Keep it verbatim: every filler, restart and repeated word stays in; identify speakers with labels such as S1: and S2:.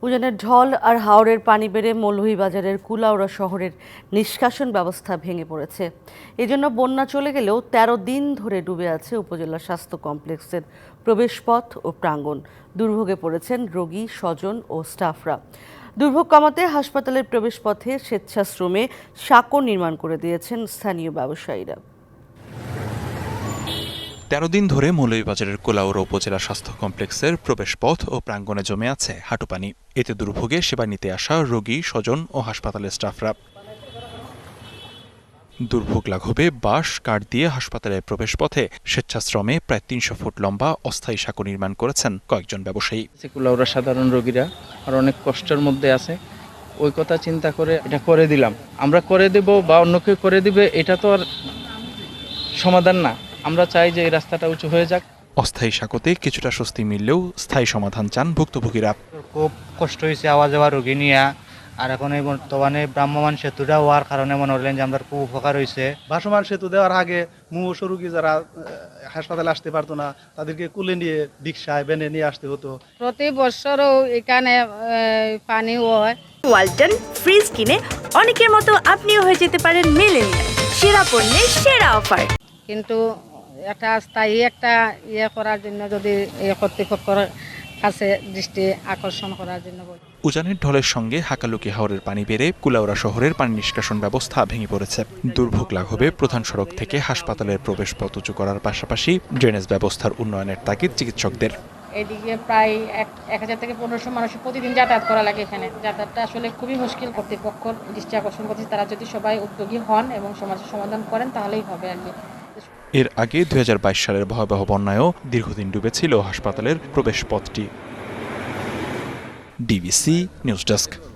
S1: উজানের ঢল আর হাওরের পানি বেড়ে মৌলভীবাজারের কুলাউড়া শহরের নিষ্কাশন ব্যবস্থা ভেঙে পড়েছে। এজন্য বন্যা চলে গেলেও তেরো দিন ধরে ডুবে আছে উপজেলা স্বাস্থ্য কমপ্লেক্সের প্রবেশপথ ও প্রাঙ্গণ। দুর্ভোগে পড়েছেন রোগী, স্বজন ও স্টাফরা। দুর্ভোগ কমাতে হাসপাতালের প্রবেশপথে স্বেচ্ছাশ্রমে সাঁকো নির্মাণ করে দিয়েছেন স্থানীয় ব্যবসায়ীরা।
S2: তেরো দিন ধরে মৌলভীবাজারের কুলাউড়া উপজেলা স্বাস্থ্য কমপ্লেক্সের প্রবেশপথ ও প্রাঙ্গণে জমে আছে হাঁটুপানি। এতে দুর্ভোগে সেবা নিতে আসা রোগী, স্বজন ও হাসপাতালের স্টাফরা। দুর্ভোগ লাঘবে বাঁশ কাঠ দিয়ে হাসপাতালের প্রবেশপথে স্বেচ্ছাশ্রমে প্রায় তিনশো ফুট লম্বা অস্থায়ী সাঁকো নির্মাণ করেছেন কয়েকজন ব্যবসায়ী।
S3: কুলাউড়া সাধারণ রোগীরা আর অনেক কষ্টের মধ্যে আছে, ওই কথা চিন্তা করে এটা করে দিলাম। আমরা করে দেব বা অন্য কেউ করে দিবে, এটা তো আর সমাধান না। আমরা চাই যে এই রাস্তাটা উঁচু হয়ে যাক।
S2: অস্থায়ী সাঁকোতে কিছুটা স্বস্তি মিললেও স্থায়ী সমাধান চান ভুক্তভোগীরা।
S4: খুব কষ্ট হয়েছে আওয়া যাওয়া রোগী নিয়ে, আর এখন এই বর্তমানে ভ্রাম্যমাণ সেতুটা হওয়ার কারণে মনে হলেন যে আমরা খুব উপকার হয়েছে।
S5: ভাসমান সেতু দেওয়ার আগে মুমূর্ষ রোগী যারা হাসপাতালে আসতে পারতো না, তাদেরকে কুলে নিয়ে রিকশায় বেনে নিয়ে আসতে হতো।
S6: প্রতি বছরও এখানে পানি হয়।
S7: ওয়ালটন ফ্রিজ কিনে অনেকের মতো আপনিও হয়ে যেতে পারেন মিলেনিয়াল সেরা পণ্যের সেরা অফার।
S6: কিন্তু এটা স্থায়ী একটা ইয়ে করার জন্য যদি কর্তৃপক্ষের কাছে দৃষ্টি আকর্ষণ করার জন্য বলি।
S2: উজানের ঢলের সঙ্গে হাকালুকি হাওরের পানি বেড়ে কুলাউড়া শহরের পানি নিষ্কাশন ব্যবস্থা ভেঙে পড়েছে। দুর্ভোগ লাঘবে প্রধান সড়ক থেকে হাসপাতালের প্রবেশপথ উঁচু করার পাশাপাশি ড্রেনেজ ব্যবস্থার উন্নয়নের তাগিদ চিকিৎসকদের।
S6: এদিকে প্রায় এক এক হাজার থেকে পনেরোশো মানুষের প্রতিদিন যাতায়াত করা লাগে। এখানে যাতায়াতটা আসলে খুবই মুশকিল। কর্তৃপক্ষ দৃষ্টি আকর্ষণ করছে, তারা যদি সবাই উদ্যোগী হন এবং সমস্যার সমাধান করেন তাহলেই হবে আর কি।
S2: এর আগে দুই হাজার বাইশ সালের ভয়াবহ বন্যায়ও দীর্ঘদিন ডুবেছিল হাসপাতালের প্রবেশপথটি। DBC news desk.